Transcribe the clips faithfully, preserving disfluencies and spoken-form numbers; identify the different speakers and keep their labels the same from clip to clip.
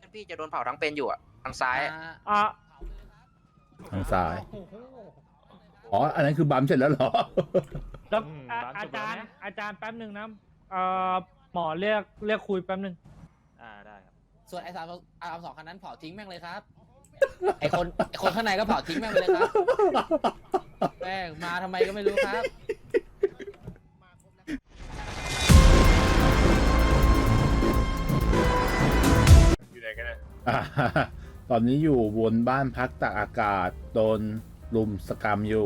Speaker 1: พี่จะโดนเผาทั้งเป็นอยู่อ่ะทางซ้าย
Speaker 2: อ่า
Speaker 3: ทางซ้าย อ๋อ อันนั้นคือบัมเสร็จแล้วเหรอ
Speaker 2: แล้วอ่ะอาจารย์อาจารย์แป๊บหนึ่งนะเอ่อหมอเรียกเรียกคุยแป๊บหนึ่ง
Speaker 4: อ่าได้ครับ
Speaker 5: ส่วนไอ้สามอาร์มสองคันนั้นเผาทิ้งแม่งเลยครับ ไอ้คนไอ้คนข้างในก็เผาทิ้งแม่งไปเลยครับแม่งมาทำไมก็ไม่รู้ครับ
Speaker 6: อยู่ไหนกันนะ
Speaker 3: อ่าตอนนี้อยู่บนบ้านพักตากอากาศโดนลุมสกรรมอยู่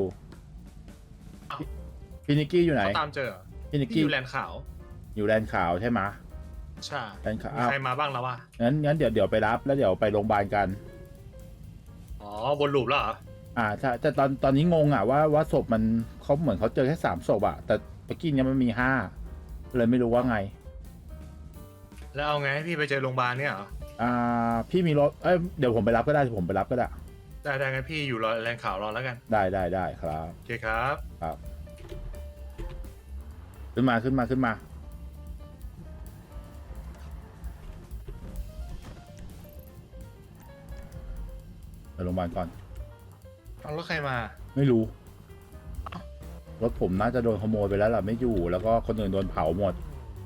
Speaker 3: พี่นิกกี้อยู่ไหน
Speaker 6: เขาตามเจอเหรอ
Speaker 3: พี่นิก
Speaker 6: ที่
Speaker 3: กี้
Speaker 6: อยู่แลนด์ขาว
Speaker 3: อยู่แลนด์ขาวใช่ไหม
Speaker 6: ใช่
Speaker 3: แลนด์ขาว
Speaker 6: มีใครมาบ้างแล้ววะ
Speaker 3: งั้นงั้นเดี๋ยวเดี๋ยวไปรับแล้วเดี๋ยวไปโรงพยาบาลกัน
Speaker 6: อ๋อวนลูปแล้วเหรอ
Speaker 3: อ่าใช่แต่ตอนตอนนี้งงอ่ะว่าว่าศพมันเขาเหมือนเขาเจอแค่สามศพอ่ะแต่เมื่อกี้เนี้ยมันมีห้าเลยไม่รู้ว่าไง
Speaker 6: แล้วเอาไงให้พี่ไปเจอโรงพยาบาลเนี่ยเหรอ
Speaker 3: อ่าพี่มีรถเอ้ยเดี๋ยวผมไปรับก็ได้เดี๋ยวผมไปรับก็ได้
Speaker 6: ได้ได้งั้นพี่อยู่รอแลนด์ขาวรอแล้วกัน
Speaker 3: ได้ได้ได้ครับ
Speaker 6: โอเคครับ
Speaker 3: ครับขึ้นมาขึ้นมาขึ้นมาไปโรงพยาบาลก่อน
Speaker 6: เอารถใครมา
Speaker 3: ไม่รู้ รถผมน่าจะโดนขโมยไปแล้วล่ะไม่อยู่ แล้วก็คนอื่นโดนเผาหมด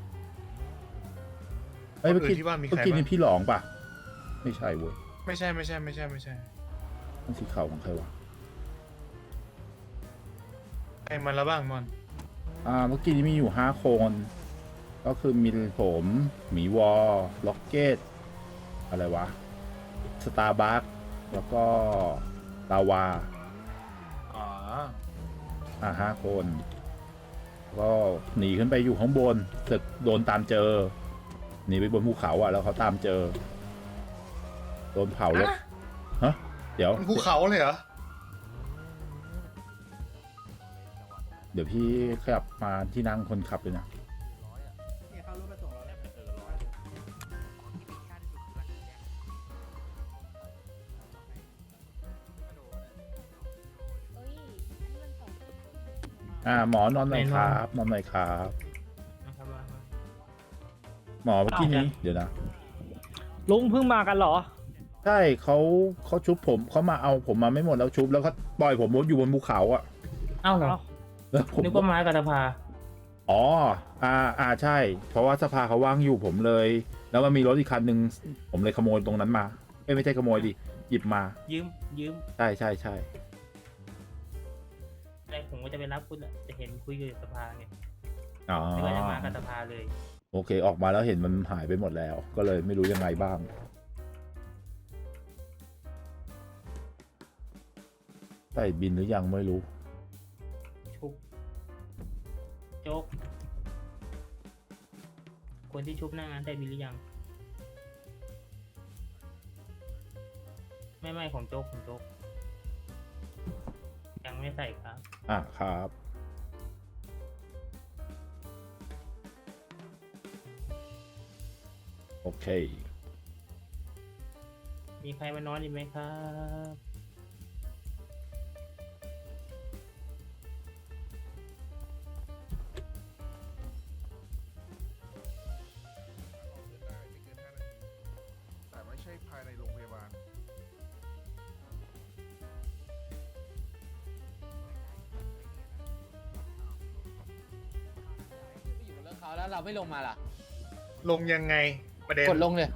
Speaker 3: เอ้ย
Speaker 6: ค
Speaker 3: เมื่
Speaker 6: น
Speaker 3: อ
Speaker 6: อื่
Speaker 3: กี้
Speaker 6: นที่ว่ามี
Speaker 3: เมื่
Speaker 6: ใค
Speaker 3: อ
Speaker 6: ร
Speaker 3: กี้
Speaker 6: บ้าง
Speaker 3: นี่พี่หลองป่ะ ไม่ใช่เว้ย
Speaker 6: ไม่ใช่ไม่ใช่ไม่ใช่ไม่ใช่
Speaker 3: มันสีขาวของใครวะ
Speaker 6: ใครมาแล้วบ้างมอน
Speaker 3: อ่าเมื่อกี้นี้มีอยู่ห้าคน ก็คือมีผมหมีวอลล็อกเก็ตอะไรวะสตาร์บัคแล้วก็ลาวา
Speaker 6: อ๋อ
Speaker 3: อ่าห้าคน ก็หนีขึ้นไปอยู่ข้างบนเสร็จโดนตามเจอ หนีไปบนภูเขาอ่ะ แล้วเขาตามเจอ โดนเผารถฮะเดี๋ยว
Speaker 6: มันภูเขาเลยเหรอ
Speaker 3: เดี๋ยวพี่ขยับมาที่นั่งคนขับเลยนะ อ่าหมอนอนหน่อยครับ นอนหน่อยครับ หมอเมื่อกี้นี้ เดี๋ยวนะ
Speaker 2: ลุงเพิ่งมากันเหรอ
Speaker 3: ใช่เขาเขาชุบผมเขามาเอาผมมาไม่หมดแล้วชุบแล้วก็ปล่อยผมอยู่บนภูเขาอ่ะ
Speaker 7: เอ้าเหรอ
Speaker 3: แล้วผม
Speaker 7: นึกว่าไม้กัตภา
Speaker 3: อ๋ออ่าอ่าใช่ เพราะว่าสภาเขาว่างอยู่ผมเลย แล้วมันมีรถอีกคันหนึ่งผมเลยขโมยตรงนั้นมาเอ้ยไม่ใช่ขโมยดิหยิบมา
Speaker 7: ยืมยืม
Speaker 3: ใช่ใช่ใช่
Speaker 7: อะไรผมก็จะไปรับคุณอะจะเห็นคุยอยู่สภาไง
Speaker 3: อ๋อ
Speaker 7: นึกว่าจะมากัตภาเลย
Speaker 3: โอเคออกมาแล้วเห็นมันหายไปหมดแล้ว ก็เลยไม่รู้ยังไงบ้างใส่บินหรือยังไม่รู้
Speaker 7: ชุบโจ๊กคนที่ชุบหน้างานได้บินหรือยัง ไม่ไม่ของโจ๊กของโจ๊กยังไม่ใส่ครับ
Speaker 3: อ่ะครับ โอเค
Speaker 7: มีใครมานอนอีกไหมครับ
Speaker 8: แต่ไม่ใช่ภายในโรงพยาบาล
Speaker 5: อยู่บนรถเขาแล้วเราไม่ลงมาล่ะ
Speaker 6: ลงยังไงประเด็น
Speaker 5: กดลงเลย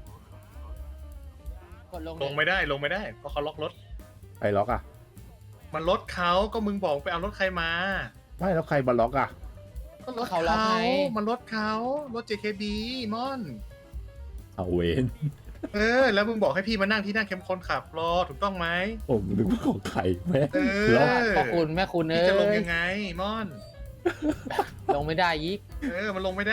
Speaker 5: กดลง
Speaker 6: ลงไม่ได้ลงไม่ได้เพราะเขาล็อกรถ
Speaker 3: ใครล็อกอ่ะ
Speaker 6: มันรถเขาก็มึงบอกไปเอารถใครมา
Speaker 3: ไม่แล้วใครมาล็อกอ่ะ
Speaker 6: ก็รถเขามันรถเขารถ เจ เค บี มอน
Speaker 3: เอาเวน
Speaker 6: เออ แล้วมึงบอกให้พี่มานั่งที่นั่งเข้มคนขับรอถูกต้องไหม
Speaker 3: ผมนึกว่าของใครแม่
Speaker 6: เออ
Speaker 3: ล็อก
Speaker 5: พ่อคุณแม่คุณเอ้
Speaker 6: พี่จะลง
Speaker 5: ย
Speaker 6: ยังไงมอน
Speaker 5: ลงไม่ได้ยิก
Speaker 6: เออ มันลงไม่ได้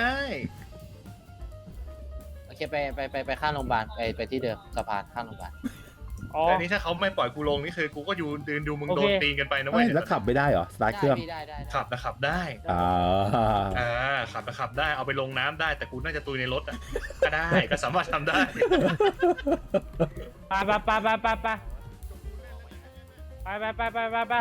Speaker 5: โอเคไปไปไปไปข้างโรงพยาบาลไปไปที่เดิมสะพานข้างโรงพยาบาล
Speaker 2: อ๋อ
Speaker 6: แต่นี้ถ้าเขาไม่ปล่อยกูลงนี่คือกูก็อยู่ยืนดูมึง
Speaker 2: โอเค
Speaker 6: โดนตีนกันไปนะ
Speaker 3: ไม่
Speaker 6: เว้ย
Speaker 3: แล้วขับไม่ได้เหรอ สตาร์ทเครื่อง
Speaker 5: ได้พี่ได้ได้ได้
Speaker 6: ขับนะขับได้
Speaker 3: อ่า
Speaker 6: อ่าขับนะขับได้เอาไปลงน้ำได้แต่กูน่าจะตุยในรถอ่ะก็ได้ก็สามารถทำได้
Speaker 2: ไปไปไปไปไปไปไปไปไปไปไป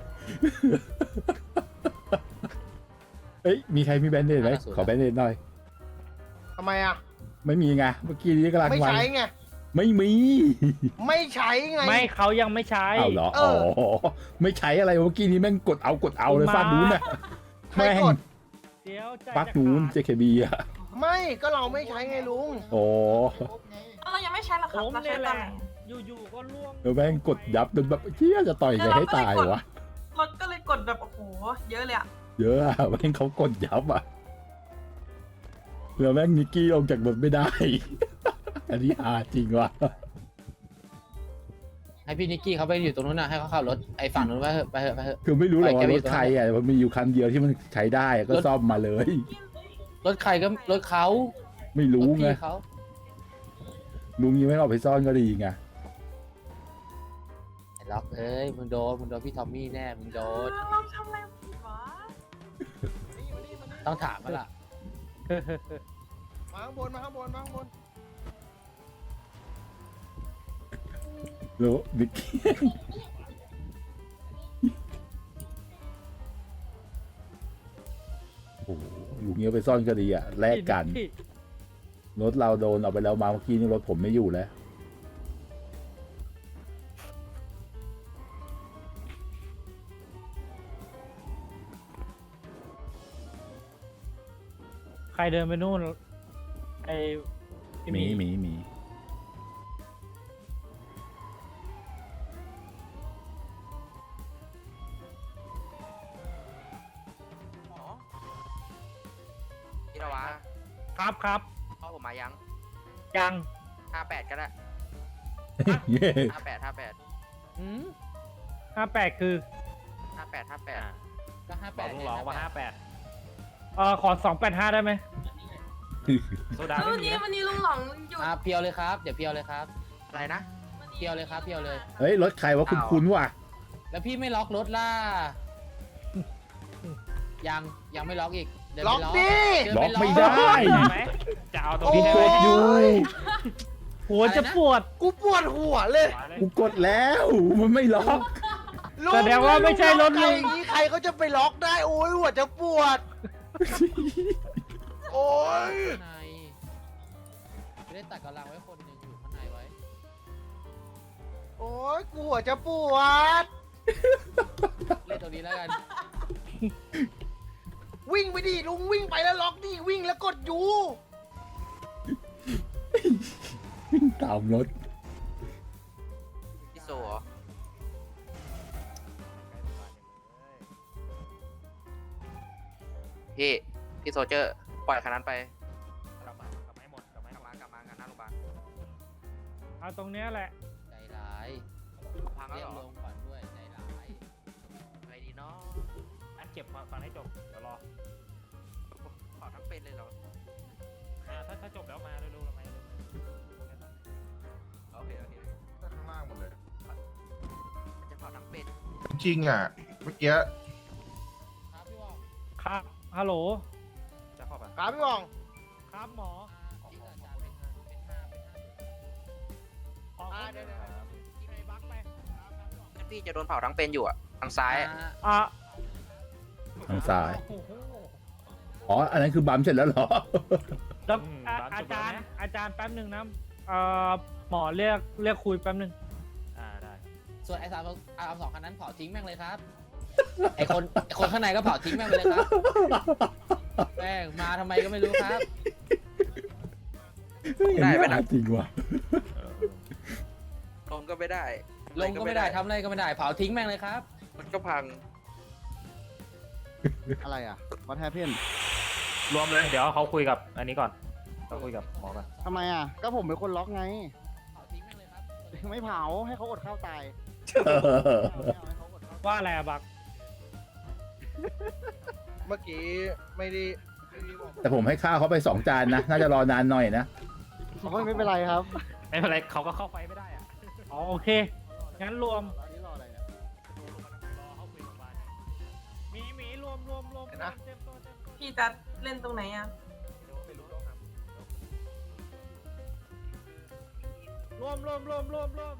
Speaker 3: เอ้ย มีใครมีแบนเดดไหมขอแบนเดดหน่อย
Speaker 8: ทำไมอ่ะ
Speaker 3: ไม่มีไง เมื่อกี้นี้กำลัง
Speaker 8: ไม่
Speaker 3: วัน
Speaker 8: ใช้ไง
Speaker 3: ไม่มี
Speaker 4: ไม่ใช้ไง
Speaker 2: ไม่เขายังไม่ใช้
Speaker 3: เอาเหรอ
Speaker 4: เอ
Speaker 3: อ๋อ
Speaker 4: อ
Speaker 3: ไม่ใช้อะไรเมื่อกี้นี้แม่งกดเอากดเอาเลย
Speaker 2: มา
Speaker 3: ฟาดนู้นน่ะ
Speaker 4: ใคร
Speaker 3: แม่ง
Speaker 4: กด
Speaker 2: เดี๋ยวใจ
Speaker 3: ฟาด
Speaker 2: จะ
Speaker 3: นู้น
Speaker 2: ขาด
Speaker 3: เจเคบีอ่ะ
Speaker 4: ไม่ก็เราไม่ใช้ไงลุง
Speaker 3: โอ้
Speaker 8: เรายังไม่ใช้หรอค
Speaker 2: ผ
Speaker 8: รับ
Speaker 2: ม
Speaker 8: เราใช้
Speaker 2: เนี่ยแห
Speaker 8: ตอน
Speaker 2: ละ
Speaker 8: ไหน
Speaker 2: อยู่ๆก็ล่วง
Speaker 3: แล้วแม่งกดยับจนแบบเชี่ยจะต่อยไงให้ตายวะ
Speaker 8: เราก็เลยกดแบบโอ้โหเยอะเลยอะ
Speaker 3: เยอะอะแม่งเขากดยับอ่ะแล้วแม่งนิกกี้ลงจากรถไม่ได้ อันนี้อาจริงว่ะ
Speaker 5: ให้พี่นิกกี้เขาไปอยู่ตรงนู้นนะให้เขาขับรถไอ้ฝั่งนู้นไปเถอะไปเถอะไปเถอะ
Speaker 3: คือไม่รู้หรอก
Speaker 5: ปล่อยแก
Speaker 3: ว่า
Speaker 5: ไป
Speaker 3: ร
Speaker 5: อยู่
Speaker 3: ถใครอ่ะมันมีอยู่คันเดียวที่มันใช้ได้อะก็
Speaker 5: รถ
Speaker 3: ซ่อมมาเลย
Speaker 5: รถใครก็รถเขา
Speaker 3: ไม่
Speaker 5: ร
Speaker 3: รู้
Speaker 5: ถ
Speaker 3: ไง
Speaker 5: พี่เขา
Speaker 3: ลุงยังไม่เอาไปซ่อนก็ดีไง
Speaker 5: ไอ้ล็อกเอ้ยมึงโดนมึงโดนพี่ทอมมี่แน่มึงโดน
Speaker 8: เราทำอะไรผิดวะ
Speaker 5: ต้องถามมาล่ะ
Speaker 4: มาข้างบนมาข้างบนมาข้างบน
Speaker 3: แล้วนิกกี้โอ้โหลุงเงี้ยไปซ่อนก็ดีอ่ะแลกกัน
Speaker 2: ที่
Speaker 3: รถเราโดนเอาไปแล้วมาเมื่อกี้นี่รถผมไม่อยู่แล้ว
Speaker 2: ใครเดินไปนู่นไอ้
Speaker 3: หมีหมีหมี
Speaker 1: พี่ระวะ
Speaker 2: ครับครับ
Speaker 1: พ่อผมมายัง
Speaker 2: ยัง
Speaker 1: ห้าแปดก็ได้
Speaker 3: เย้
Speaker 1: ห้าแปดห้าแปด
Speaker 5: อืม
Speaker 2: ห้าแปดคือ
Speaker 1: ห้าแปดห้าแปด
Speaker 5: ก็ห้า
Speaker 7: บ
Speaker 5: แป
Speaker 7: อก
Speaker 5: ด
Speaker 7: ลุงร้องว่าห้าแปด
Speaker 2: เอ่อขอสองแปดห้าได้ไหม
Speaker 7: โซดา
Speaker 8: แล้ว
Speaker 7: ไม่
Speaker 8: วัน
Speaker 7: มี
Speaker 8: นี้
Speaker 7: นะ
Speaker 8: วันนี้ลุงหลองหยุด
Speaker 5: อ่ะเพียวเลยครับเดี๋ยวเพียวเลยครับ
Speaker 1: อะไรนะ
Speaker 5: เพียวเลยครับเพียวเลย
Speaker 3: เฮ้ย รถใครวะคุณคุ้นๆว่ะ
Speaker 5: แล้วพี่ไม่ล็อกรถล่ะยังยังไม่ล็อกอีกเดิน
Speaker 4: ล็
Speaker 5: ไป
Speaker 4: อก
Speaker 5: ล็อก
Speaker 4: ดิ
Speaker 5: เดิน
Speaker 3: ล็
Speaker 5: ป
Speaker 3: อกไม่ได้
Speaker 7: ได้ไหมจะเอาตรง
Speaker 3: กู
Speaker 7: นี้ได้
Speaker 3: ก
Speaker 7: ไหม
Speaker 3: ดอยู่
Speaker 2: หัวจะปวด
Speaker 4: กูปวดหัวเลย
Speaker 7: มาเลย
Speaker 3: กูกดแล้ว มันไม่ล็อก
Speaker 4: ลุง
Speaker 2: แสดงว่าไม่ใช่รถลุง
Speaker 4: ใคอย่างนี้ใครเขาจะไปล็อกได้โอ้ยหัวจะปวด โอ้ย
Speaker 5: ข้างในไม่ได้ตัดกำลังไว้คนหนึ่งอยู่ข้างในไว้
Speaker 4: โอ้ยกูหัวจะปวด
Speaker 5: เล่นตรงนี้แล้วกัน
Speaker 4: วิ่งไปดิลุงวิ่งไปแล้วล็อกดิวิ่งแล้วกดยู
Speaker 3: ตามรถ
Speaker 1: พี่โซเหรอพี่พี่โซเจอร์ปล่อยคันนั้นไปกลับมากลับมาให้หมดกลับมากลับมากลับมางานหน้าโรงพยาบาล
Speaker 2: เอาตรงเนี้ยแหละ
Speaker 5: ใจร้าย
Speaker 1: พังแล้ว
Speaker 5: เรียก
Speaker 1: เหร
Speaker 5: ล
Speaker 1: อง
Speaker 5: ก่อนด้วยใจร้าย
Speaker 1: อะไรดีเนาะ
Speaker 7: อันเก็บมาฟังให้จบ เดี๋ยวรอ
Speaker 1: เผาทั้งเป็นเลยเหรอ
Speaker 7: อ่าถ้าถ้าจบแล้วมาเร็วๆทำไมเร็ว
Speaker 1: โอเคโอเค
Speaker 9: ข้างล่างหมดเลย
Speaker 1: มันจะเผาทั้งเป็น
Speaker 9: จริงอ่ะ เมื่อกี้
Speaker 5: ครับพี่บอก
Speaker 2: ครับ ฮัลโหล
Speaker 7: ๆจะเข้าปะ
Speaker 4: ครับพี่บอง
Speaker 2: ครับหมอ
Speaker 5: ที่อาจารย์เป็นห้าเป็นห้าเป็นห้า
Speaker 2: ขอ
Speaker 4: อ่าเดี๋ยวเดี๋ยว
Speaker 2: กินไอ้บักไป
Speaker 1: งั้นพี่จะโดนเผาทั้งเป็นอยู่อ่ะทางซ้ายอะ
Speaker 5: อ่า
Speaker 2: อ่ะ
Speaker 3: ทางซ้าย
Speaker 2: โอ้โห
Speaker 3: อ๋อ อันนั้นคือบัมเสร็จแล้วเหรอ
Speaker 2: แล้วอ่ะอาจารย์ อาจารย์แป๊บหนึ่งนะเอ่อหมอเรียกเรียกคุยแป๊บหนึ่ง
Speaker 7: อ่าได้
Speaker 5: ส่วนไอ้สามอาร์มสองคันนั้นเผาทิ้งแม่งเลยครับ ไอ้คนไอ้คนข้างในก็เผาทิ้งแม่งไปเลยครับแม่งมาทำไมก็ไม่รู้ครับ
Speaker 1: ได้ไหมนะ
Speaker 3: จริงว่ะ
Speaker 1: ลงก็ไม่ได้
Speaker 5: ลงก็ไม่ได้ทำอะไรก็ไม่ได้เผาทิ้งแม่งเลยครับ
Speaker 1: มันก็พัง
Speaker 4: อะไรอ่ะวัดแฮปเพียน
Speaker 7: รวมเลย เดี๋ยวเขาคุยกับอันนี้ก่อนเขาคุยกับหมอก่อน
Speaker 4: ทำไมอ่ะ ก็ผมเป็นคนล็อกไง
Speaker 5: เผาทิ้งแม่งเลยครับ
Speaker 4: ไม่เผาให้เขาอดข้าวตาย
Speaker 2: ว่าอะไรอะบัก
Speaker 4: เมื่อกี้ไม่ได้
Speaker 3: แต่ผมให้ข้าวเขาไปสองจานนะ น่าจะรอนานหน่อยนะ
Speaker 4: ไม่เป็นไรครับ
Speaker 7: ไม่เป็นไรเขาก็เข้าไฟไม่ได้อ่ะ
Speaker 2: อ๋อโอเค งั้นรวม
Speaker 4: นี่รออะไรเนี่ย
Speaker 7: รอเขาคุยโรงพยาบาล
Speaker 2: หมีหมีรวมรวมรวม
Speaker 4: เห็นนะ
Speaker 2: เต็มตัวเต็มตัว
Speaker 8: พี่จะเล่นตรงไหนอะ
Speaker 2: รวมรวมรวมรวมรวม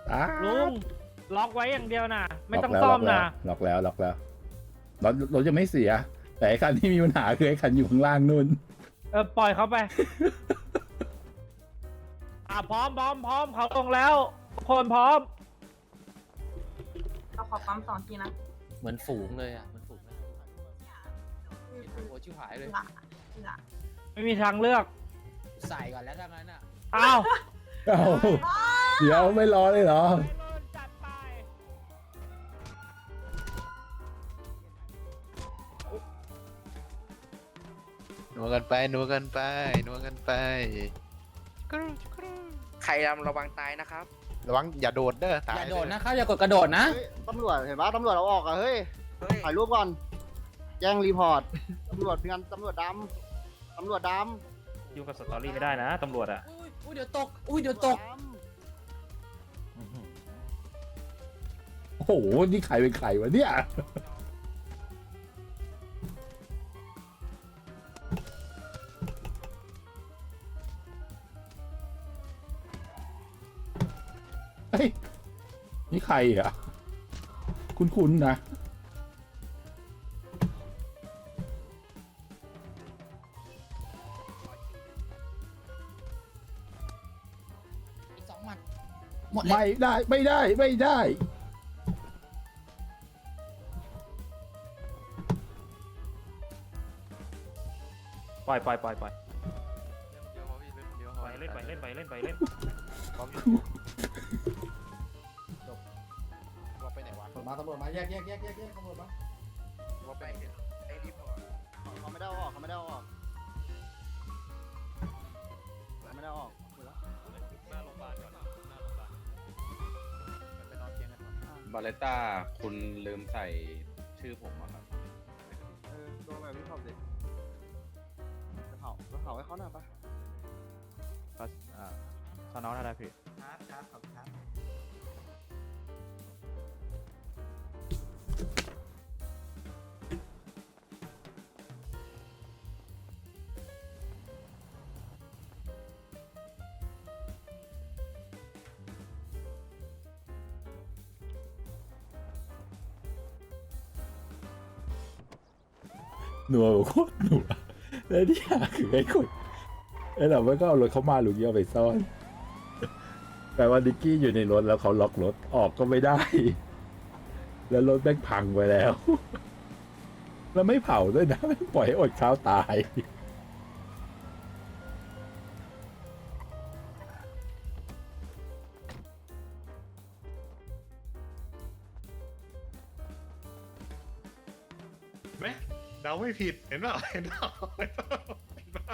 Speaker 3: อ้า
Speaker 2: ลุงล็อกไว้อย่างเดียวนะไม่ต้อง
Speaker 3: ล็กแล้ว
Speaker 2: ซ่อมนะ
Speaker 3: ล็อกแล้วล็อกแล้วรถรถจะไม่เสีย แต่ไอ้คันที่มีปัญหาคือไอ้คันอยู่ข้างล่างนู่น
Speaker 2: เออปล่อยเขาไป อ่ะพร้อมพร้อมพร้อมเขาลงแล้วทุกคนพร้อม
Speaker 8: เราขอปั๊มสองทีนะ
Speaker 5: เหมือนฝูงเลยอ่ะเหมือนฝูงเลยเห็นหัวชิวหายเลย
Speaker 8: หละหละ
Speaker 2: ไม่มีทางเลือก
Speaker 5: ใส่ก่อนแล้วถ้างั้นอ่ะ
Speaker 2: อ้าว
Speaker 3: เอ้าเดี๋ยวไม่รอเลยเหรอ
Speaker 2: จัดไป
Speaker 10: นัวกันไปนัวกันไปนัวกันไปกรูกรู
Speaker 1: ใครรำระวังตายนะครับ
Speaker 10: ระวังอย่าโดดเด้อตา
Speaker 5: อย่าโดด
Speaker 10: เ
Speaker 5: นะครับอย่ากดกระโดดนะ
Speaker 4: เฮ้ยตำรวจเห็นปะตำรวจเอาออกอะเฮ้ย
Speaker 1: เฮ้ย
Speaker 4: ถ่ายรูปก่อน แจ้งรีพอร์ต ตำรวจเพื่อนตำรวจดำตำรวจด
Speaker 7: ยุ่งกับสตอรี่ไม่ได้นะตำรวจอ่ะ
Speaker 5: อุ้ยอุ้ยเดี๋ยวตก อุ้ย
Speaker 4: ำ
Speaker 5: เดี๋ยวตก
Speaker 4: ำรวจด
Speaker 3: โอ้โห นี่ใครเป็นใครวะเนี่ย เฮ้ย นี่ใครอ่ะ คุ้นๆนะ
Speaker 5: อีกสองหมัดหมดเลย
Speaker 3: ไม่ได้ ไม่ได้ ไม่ได้
Speaker 7: ปล่อยปล่อยปล่อยปล่อย
Speaker 10: เดี๋ยวพอพี่เล่นเดี๋ยว
Speaker 7: ปล่อยเล่นไปเล่นไปเล่นไปเล่น
Speaker 10: พร้อมอยู่ว่าไปไหนวะ
Speaker 5: ตำรวจมาตำรวจมาแยกแยกแยกแยกแยกตำรวจมา
Speaker 10: ว่าไปไหน
Speaker 1: ไอ้รีพอร์ต
Speaker 4: ำเขาไม่ได้เอาออกเขาไม่ได้เอาออกเขาไม่ได้เอาออกคุยแล้ว
Speaker 10: ไปนอนเตียงกันก่อน
Speaker 11: บาเลต้าคุณลืมใส่ชื่อผมอะครับ
Speaker 4: เออโดนแบบนี้เผาเด็กจะเผาจะเผาให้เขาหน่อยปะ
Speaker 7: ก็อ่าสอนอได้พี่
Speaker 4: ครับครับขอบคุณครับ
Speaker 3: หนัวโคตรหนัวแล้วที่หาคือไอ้คนไอ้เราไม่ก็เอารถเขามาหรือเอาไปซ่อน แต่ว่าดิกกี้อยู่ในรถแล้วเขาล็อกรถออกก็ไม่ได้ แล้วรถแม่งพังไปแล้ว แล้วไม่เผาด้วยนะไม่ปล่อยให้อดข้าวตาย
Speaker 6: ไหมเดาไม่ผิดเห็นเปล่าเห็นเปล่าเห็นเปล่าเห็นเปล่า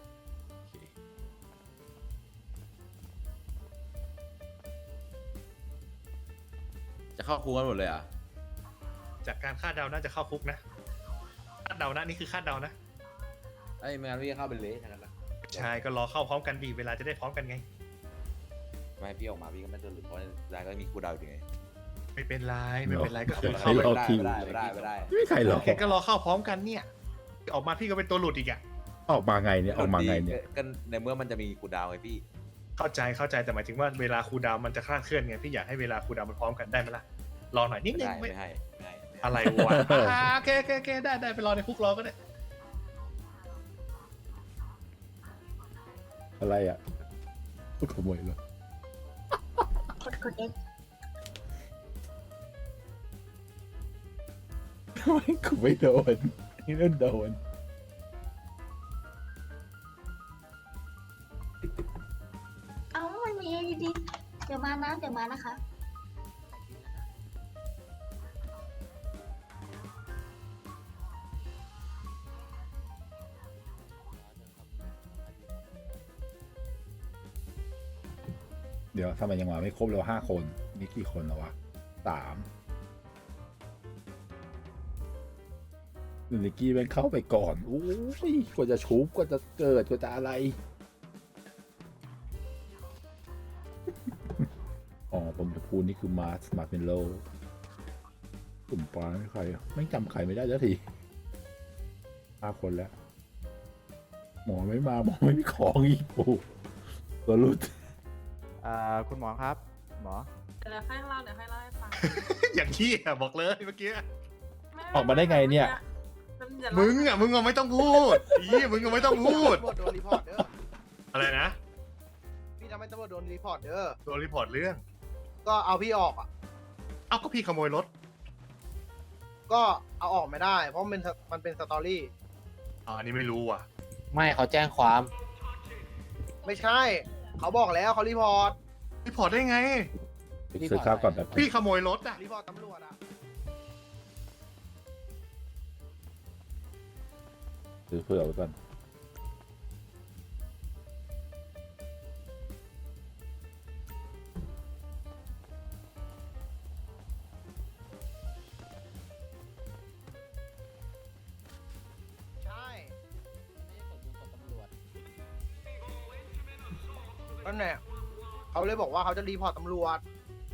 Speaker 11: จะเข้าคุกกันหมดเลยอ่ะ
Speaker 6: จากการคาดเดาน่าจะเข้าคุกนะคาดเดานะนี่คือคาดเดานะ
Speaker 11: ไอ้ยไม่งั้นพี่เข้าเป็นเละทั้งนั้นละ
Speaker 6: ใช่ก็รอเข้าพร้อมกันดีเวลาจะได้พร้อมกันไง
Speaker 11: ไม่ให้พี่ออกมาพี่ก็ไม่ต้องหลุดเพราะรายก็มีกูเดาอยู่ไง
Speaker 6: ไม่เป็นไรไม่เป็นไรก็
Speaker 3: เดี๋ยว
Speaker 6: เข้า
Speaker 3: ให้
Speaker 6: ไป
Speaker 3: รอ
Speaker 11: ไม่
Speaker 3: คิว
Speaker 11: ได้ไม่ได้ไม่ได้
Speaker 3: ไม่มีใครหรอก
Speaker 6: แค่ก็รอเข้าพร้อมกันเนี่ยออกมาพี่ก็เป็นตัวหลุดอีกอะ
Speaker 3: ออกมาไงเนี่ยออกมาไงเนี่ย
Speaker 11: ก็ในเมื่อมันจะมีกูเดาไงพี่
Speaker 6: เข้าใจเข้าใจแต่หมายถึงว่าเวลาครูลดาวน์มันจะคลาดเคลื่อนไงพี่อยากให้เวลาครูลดาวน์มันพร้อมกันได้ไหมล่ะรอหน่อยนิด
Speaker 11: ไม่
Speaker 6: นึง
Speaker 11: ได้
Speaker 6: ไม่
Speaker 11: ไม่ให้ไม่ให้
Speaker 6: อะไรวะอ่าโอเคโอเคโอเคได้ได้ไปรอในคุกรอก็ได้
Speaker 3: อะไรอ่ะขโมยรถ
Speaker 8: กดกดเอ็ก
Speaker 3: ทำไมกูไม่โดนนี่นั่นโดน
Speaker 8: เอามันมีดีเดี๋ยวมานะเดี๋ยวมานะคะ
Speaker 3: เดี๋ยวทำไมยังมาไม่ครบเลยห้าคนนี่กี่คนแล้ววะสามนิกกี้แม่งเข้าไปก่อนโอ้ยกว่าจะชุบกว่าจะเกิดกว่าจะอะไร อ๋อผมจะพูดนี่คือมาร์สมาร์เมลโลกลุ่มปลาไม่ใครอะไม่จำใครไม่ได้สักทีห้าคนแล้ว หมอไม่มาหมอไม่มีของอีกโอ้ตัวรุด
Speaker 7: อ่าคุณหมอครับหมอ
Speaker 8: เดี๋ยวให้เล่าเดี๋ยวให้เล่าให้ฟัง
Speaker 6: อย่างที่อะบอกเลยเมื่อกี้
Speaker 3: ออกมาได้ไงเนี่ย
Speaker 6: มึงอ่ะมึงอ่ะไม่ต้องพูดอีมึงอ่ะไม่ต้องพูด
Speaker 4: ตำรวจโดนรีพอร์ตเด้อ
Speaker 6: อะไรนะ
Speaker 4: พี่ทำให้ตำรวจโดนรีพอร์ตเด้อ
Speaker 6: โดนรีพอร์ตเรื่อง
Speaker 4: ก็เอาพี่ออกอ่ะ
Speaker 6: เอ้าก็พี่ขโมยรถ
Speaker 4: ก็เอาออกไม่ได้ เพราะมันเป็นมันเป็นสตอรี่
Speaker 6: อ๋ออันนี้ไม่รู้ว่ะ
Speaker 5: ไม่เขาแจ้งความ
Speaker 4: ไม่ใช่ เขาบอกแล้วเขารีพอร์ต
Speaker 6: รีพอร์ตได้ไง
Speaker 3: ไปซื้อข้าวก่อนแบบ
Speaker 6: พี่ขโมยรถอ่ะ
Speaker 4: รีพอร์ตตำรวจอ่ะ
Speaker 3: ซื้อเผื่อไว้ก่อน
Speaker 4: ใช่ นั่นแหละเขาเลยบอกว่าเขาจะรีพอร์ตตำรวจ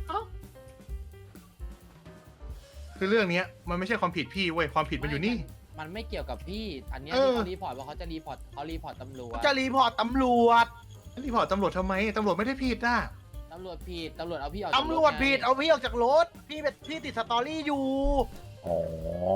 Speaker 6: คือเรื่องเนี้ยมันไม่ใช่ความผิดพี่เว้ยความผิดมันอยู่นี่
Speaker 5: มันไม่เกี่ยวกับพี่ อันเนี้ย
Speaker 6: เออ
Speaker 5: ที่เขารีพอร์ตว่าเขาจะรีพอร์ตเขารีพอร์ตตำรวจ
Speaker 4: จะรีพอร์ตตำรวจ
Speaker 6: รีพอร์ตตำรวจทำไมตำรวจไม่ได้ผิดอ่ะ
Speaker 5: ตำรวจผิดตำรวจเอาพี่ออกจาก
Speaker 4: ตำรวจ
Speaker 5: ไง
Speaker 4: ผิดเอาพี่ออกจากรถ พี่เป็นพี่ติดสตอรี่อยู่
Speaker 3: อ๋อ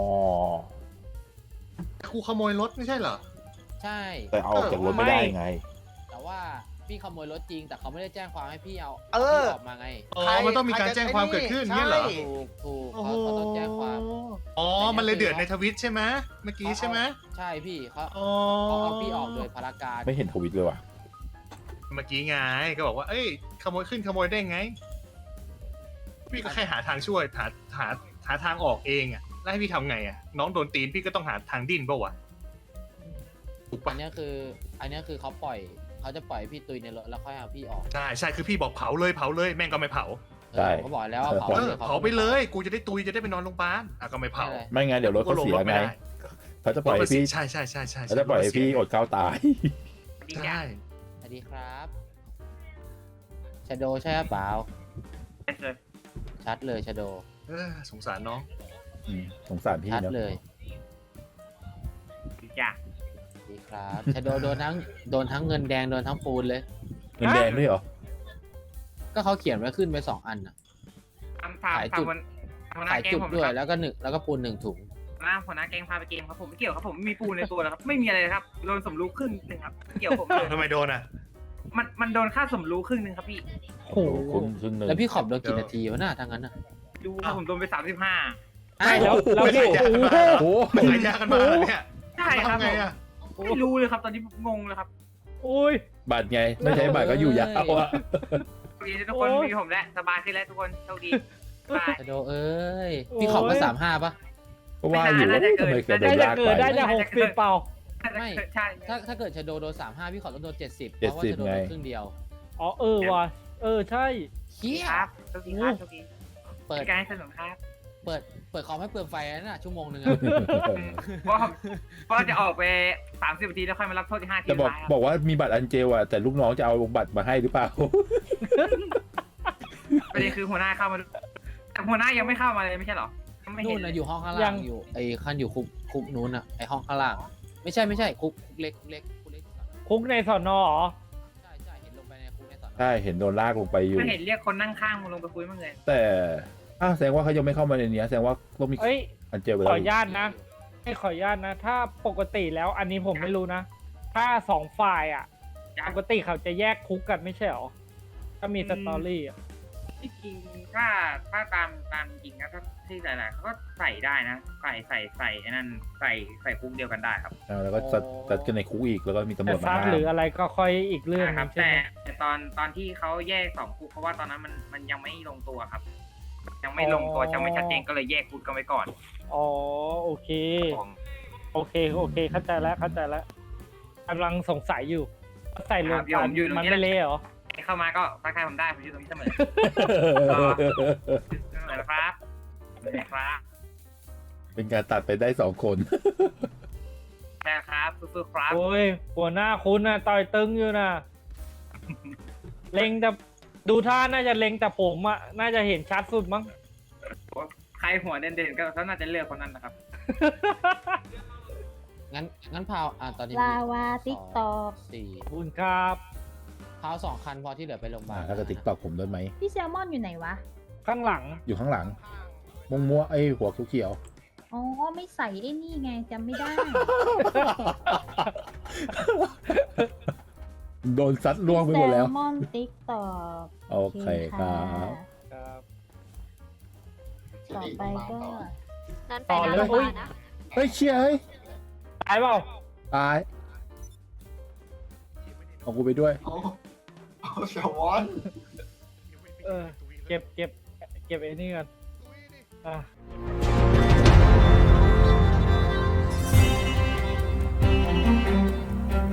Speaker 6: ครูขโมยรถไม่ใช่เหรอ
Speaker 5: ใช่
Speaker 3: แต่เอาออกจากรถไม่ได้ไง
Speaker 5: แต่ว่าพี่ขโมยรถจริง แต่เขาไม่ได้แจ้งความให้พี่เอา
Speaker 4: เออ
Speaker 5: พี่ออกมาไง
Speaker 6: อ๋อ มันต้องมีการแจ้งความเกิดขึ้น
Speaker 4: ใช่
Speaker 6: เนี่ยเหรอ
Speaker 5: ถูกถูก
Speaker 6: โอ้
Speaker 5: เขา
Speaker 6: โห
Speaker 5: เขาต้องแจ้งความ
Speaker 6: อ๋อ มันเลยเดือดในทวิตใช่ไหมเมื่อกี้ใช่ไหม
Speaker 5: ใช่พี่เขา
Speaker 6: อ๋อ
Speaker 5: เขาเอาพี่ออกโดยพารการ
Speaker 3: ไม่เห็นทวิตเลยว่ะ
Speaker 6: เมื่อกี้ไงก็บอกว่า เอ้ย ขโมยขึ้นขโมยได้ไง พี่ก็แค่หาทางช่วย หาหาหาทางออกเองอ่ะ แล้วให้พี่ทำไงอ่ะ น้องโดนตีนพี่ก็ต้องหาทางดิ้นป่าวะถูก
Speaker 5: อั
Speaker 6: ปะ
Speaker 5: นเนี้ยคือ อันเนี้ยคือเขาปล่อยเขาจะปล่อยพี่ตุยในรถแล้วค่อยเอาพี่ออก
Speaker 6: ใช่ใช่คือพี่บอกเผาเลยเผาเลยแม่งก็ไม่เผา
Speaker 3: ใช่
Speaker 5: เออเขาบอกแล้วว่าเผา
Speaker 6: เอ
Speaker 5: เล
Speaker 6: อย
Speaker 5: เขา
Speaker 6: เผาไปเลย กูจะได้ตุยจะได้ไปนอนโรงพยาบาลอ่ะก็ไม่เผา
Speaker 5: ใช่
Speaker 3: ไม่งั้นเดี๋ยวรถเขาเสียไง เขาจะปล่อยให้พี่
Speaker 6: ใช่ใช่ใช่ใช่
Speaker 3: เขาจะปล่อยให้พี่อดข้าวตาย
Speaker 6: ใช่
Speaker 5: สวัสดีครับชาโดใช่หรือเปล่าชัดเลยชาโด
Speaker 6: เออสงสารน้อง
Speaker 3: อืมสงสารพี่
Speaker 5: ชัด
Speaker 3: เนอะ
Speaker 5: เลย
Speaker 7: จ้ะ
Speaker 5: สวัสดีครับชาโดโดนทั้งโดนทั้งเงินแดงโดนทั้งปูนเลย
Speaker 3: เงินแดงด้วยเหรอ
Speaker 5: ก็เขาเขียนไว้ขึ้นไปสองอันน่ะ
Speaker 7: ทำพา
Speaker 5: ขาย
Speaker 7: พา
Speaker 5: จุด
Speaker 7: วันหัวหน้า
Speaker 5: ขาย
Speaker 7: แก๊ง
Speaker 5: จุด
Speaker 7: ผม
Speaker 5: ด้วย
Speaker 7: ครับ
Speaker 5: แล้วก็หนึ่งแล้วก็ปูนหนึ่งถุง
Speaker 7: หัวหน้าหัวหน้าแก๊งพาไปเกมครับผมไม่เกี่ยวครับผมไม่มีปูนในตัวแล้วครับไม่มีอะไรเลยครับโดนสมรู้ครึ่งหนึ่งครับไม่เกี่ยวผมเลย
Speaker 6: ทำไมโดนอ่ะ
Speaker 7: มันมันโดนค่าสมรู้ครึ่งหนึ่งครับพี่
Speaker 5: โอ้โห
Speaker 3: คุณครึ่งหนึ่ง
Speaker 5: แล้วพี่ขอบโดนกี่นาทีวะหน้าทางนั้นน่ะ
Speaker 7: ดูครับผมโดนไปสามสิบห้า
Speaker 2: ใช่แล้วแล้ว
Speaker 6: ไม่
Speaker 2: พี่
Speaker 6: ได้
Speaker 2: โอ้
Speaker 6: ยาก
Speaker 2: โห
Speaker 6: มา ไม่ขายยากันมาเหรอเนี่ย
Speaker 7: ใช่ครับ
Speaker 6: ทำไงอ่ะ
Speaker 7: ผมไม่รู้เลยครับตอนนี้งงเลยครับ
Speaker 2: โอ้ย
Speaker 3: บัตรไง ไม่ใช่บัตรก็อยู่ยาวอะ
Speaker 7: โชคดีทุกคน
Speaker 2: โอ้ย
Speaker 7: มีผมแล้วสบายขึ้นแล้วทุกคนโชคดีบาย
Speaker 5: ชาโดเอ้ยพี่ขอบมาสามห้าปะ
Speaker 3: ก็ว่าอยู่
Speaker 7: ไม่
Speaker 3: ว่า
Speaker 7: น่าจะเกิ
Speaker 3: ทำ
Speaker 7: น
Speaker 3: ไมแกโด
Speaker 2: ได้
Speaker 3: น
Speaker 2: จะ
Speaker 3: ลาก
Speaker 2: เกิ
Speaker 3: ไป
Speaker 2: ดได้จะหกสิบเปล่า
Speaker 5: ไม่
Speaker 7: ใช่
Speaker 5: ถ้าถ้าเกิดชาโดโดนสามห้าพี่ขอบต้องโดนเจ็ดสิบเพ
Speaker 3: เจ็ด
Speaker 5: ราะว่า
Speaker 3: สิบ
Speaker 5: ชาโดโด
Speaker 3: ไง
Speaker 5: นครึ่งเดียว
Speaker 2: อ๋อเออว่ะเออใช่
Speaker 5: เฮีย
Speaker 7: ครับโชคดีครับโชคดี
Speaker 5: เปิด
Speaker 7: เป็นการให้สนุกครับ
Speaker 5: เปิดเปิดคอมให้เปลืองไฟนั่นน่ะชั่วโมงหนึงอะ
Speaker 7: เพราะเพราะจะออกไปสามสิบนาทีแล้วค่อยมารับโทษที่ห้าที
Speaker 3: จะบอก
Speaker 7: ท้ายครับ
Speaker 3: บอกว่ามีบัตรอันเจลอะแต่ลูกน้องจะเอาบัตรมาให้หรือเปล่า
Speaker 7: ประเด็นคือหัวหน้าเข้ามาดูแต่หัวหน้ายังไม่เข้ามาเลยไม่ใช่เหรอยังไม่
Speaker 5: นู่
Speaker 7: เห็
Speaker 5: น
Speaker 7: นเล
Speaker 5: นะ
Speaker 7: ย
Speaker 5: อยู่ห้องข้าง
Speaker 2: ยั
Speaker 5: ล่าง
Speaker 2: ง
Speaker 5: อยู่ไอ้ขั้นอยู่คุกคุกนู้นอะไอ้ห้องข้างล่าง ไม่ใช่ไม่ใช่คุกคุกเล็กคุกเล็กคุกเล็ก
Speaker 2: คุกในสอนอเหรอ
Speaker 5: ใช่ใช่เห็นลงไปในคุกในสอนอ
Speaker 3: ใช่เห็นโดนลากลงไปอยู่
Speaker 7: ไม่เห็นเรียกคนนั่งข้างมึงลงไปคุยมั้างเลย
Speaker 3: แต่อ้าวแสดงว่าเขายังไม่เข้ามาในนี้แสดงว่าต้องมี
Speaker 2: เอ้ย
Speaker 3: อันเจลไป
Speaker 2: ข
Speaker 3: แล้
Speaker 2: อ
Speaker 3: ว
Speaker 2: อนุญาตนะให้ขออนุญาตนะ ถ้าปกติแล้วอันนี้ผมไม่รู้นะ ถ้าสองฝ่ายอ่ะ ปกติเขาจะแยกคุกกันไม่ใช่หรอ ถ้ามีสตอรี่อ่ะ
Speaker 7: ที่จริงถ้าถ้าตามตามจริงนะถ้าที่หลายๆเขาก็ใส่ได้นะใส่ใส่ใส่ไอ้นั่นใส่ใส่คุกเดียวกันได้ครับ
Speaker 3: อ่าแล้วก็จัดจัดกันในคุกอีกแล้วก็มีตำร
Speaker 2: แต่
Speaker 3: วจมา
Speaker 2: ซัด
Speaker 3: ห้า
Speaker 2: ห
Speaker 3: ม
Speaker 2: รืออะไรก็ค่อยอีกเรื่อง
Speaker 7: นะ
Speaker 2: ห
Speaker 7: ค
Speaker 2: นึ
Speaker 7: รับ
Speaker 2: งใช่
Speaker 7: แต่
Speaker 2: ไหม
Speaker 7: แต่ตอนตอนที่เขาแยกสองคุกเพราะว่าตอนนั้นมันมันยังไม่ลงตัวครับ ยังไม่ลงตัวยังไม่ชัดเจนก็เลยแยกคุกกันไว้ก่อน
Speaker 2: อ๋อโอเค โอเคโอเคเข้าใจแล้วเข้าใจแล้วกำลังสงสัยอยู่ว่าใส่รวมกันมันไม่เละเหรอ
Speaker 7: เข้ามาก็ทักทายผมได้ผมอยู่ตรงนี้เสมอเสมอนะครับเสมอครับ
Speaker 3: เป็นการตัดไปได้สองคน
Speaker 7: ใช่ครับสู้ๆครับ
Speaker 2: โอ้ยหัวหน้าคุณน่ะต่อยตึงอยู่น่ะ เล็งแต่ดูท่าน่าจะเล็งแต่ผมอ่ะน่าจะเห็นชัดสุดมั้ง
Speaker 7: ใครหัวเด่นๆก็น่าจะเลือกคนนั้นนะครับ
Speaker 5: งั้นงั้นพาวอ่ะตอนนี้
Speaker 8: ลาวา
Speaker 5: ส
Speaker 8: ติ๊ก
Speaker 5: อง
Speaker 8: ตอก
Speaker 5: สี่
Speaker 2: ขอบคุณครับ
Speaker 5: พาวสองคันพอที่เหลือไปโรงพยาบา
Speaker 3: อ่า
Speaker 5: ล
Speaker 3: แล้วก็ติ๊กตอกผมด้วยไหม
Speaker 8: พี่แซลมอนอยู่ไหนวะ
Speaker 2: ข้างหลัง
Speaker 3: อยู่ข้างหลังมงมัวไอยหัวเขียว
Speaker 8: อ๋อไม่ใส่ไอ้นี่ไงจำไม่ได้
Speaker 3: ๆ โดนซัดล่วงไปหมดแล้ว
Speaker 8: แซลมอนติ๊กตอก
Speaker 3: โอเคครับ
Speaker 2: ครับ
Speaker 8: ต่อไปก็
Speaker 2: นั่นไปนะโรงพยาบาลนะ
Speaker 3: เฮ้ยเชียเฮ้ย
Speaker 2: ตายเปล่า
Speaker 3: ตายเอากูไปด้วย
Speaker 4: โอ้โอ้แซลมอน
Speaker 2: เออ เก็บเก็บเก็บไอ้นี่กันอ่ะ